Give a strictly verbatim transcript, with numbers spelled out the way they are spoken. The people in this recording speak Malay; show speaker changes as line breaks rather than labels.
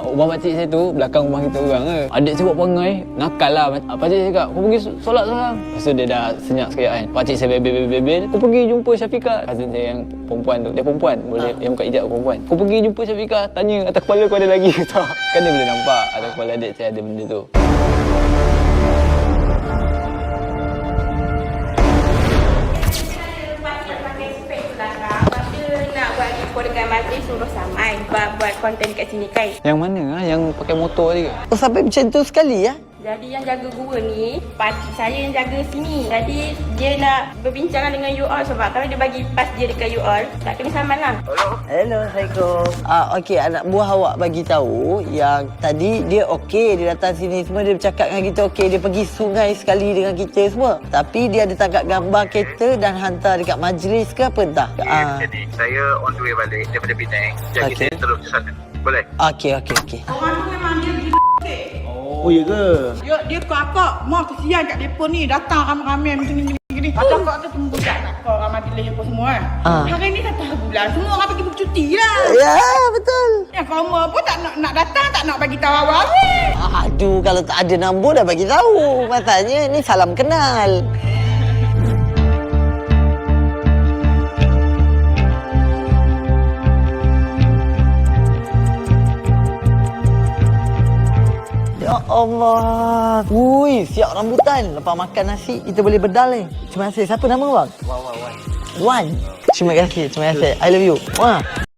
Rumah pakcik saya tu belakang rumah kita orang ke. Adik saya buat perangai, nakal lah. Pakcik saya cakap, kau pergi solat sekarang. Lepas tu dia dah senyap sekejap kan. Pakcik saya bebel-bebel, kau pergi jumpa Syafiqah. Cousin saya yang perempuan tu, dia perempuan, boleh ha. Yang buka hijab perempuan. Kau pergi jumpa Syafiqah, tanya atas kepala kau ada lagi ke tak. Kan dia boleh nampak atas kepala adik saya ada benda tu.
Dengan majlis suruh Samai buat, buat konten kat sini kan.
Yang mana ah? Yang pakai motor tadi ke?
Oh, sampai macam tu sekali ya?
Jadi yang jaga gua ni, pakcik saya yang jaga sini. Jadi dia nak berbincangan dengan you all sebab kalau dia bagi pas dia dekat you all, tak kena saman lah.
Hello. Hello, Assalamualaikum. Ah, okey, anak buah awak bagi tahu yang tadi dia okey, dia datang sini semua, dia bercakap dengan kita okey, dia pergi sungai sekali dengan kita semua. Tapi dia ada tangkap gambar kereta dan hantar dekat majlis ke apa entah.
Ah. Jadi saya on the way balik daripada Penang. Jadi okay. Saya terus ke sana. Boleh?
Okey, okey, okey.
Orang tu memang dia gila.
Oh, ya ke?
Dia dia kakak, mak kesian kat depa ni, datang ramai-ramai macam ni gini. Ada kak tu tunggu kat nak kau ramai delay apa semua kan.
Ah.
Hari ni dah tahun bulan, semua orang pergi bercuti lah.
Ya, betul.
Yang kau pun tak nak nak datang, tak nak bagi tahu awal ni.
Aduh, kalau tak ada nombor dah bagi tahu. Masalahnya ni salam kenal. Ya Allah. Ui, siap rambutan. Lepas makan nasi, kita boleh bedal ni. Terima kasih. Siapa nama bang?
Wan, wan, wan.
Wan. Terima kasih. Terima kasih. I love you. Wah.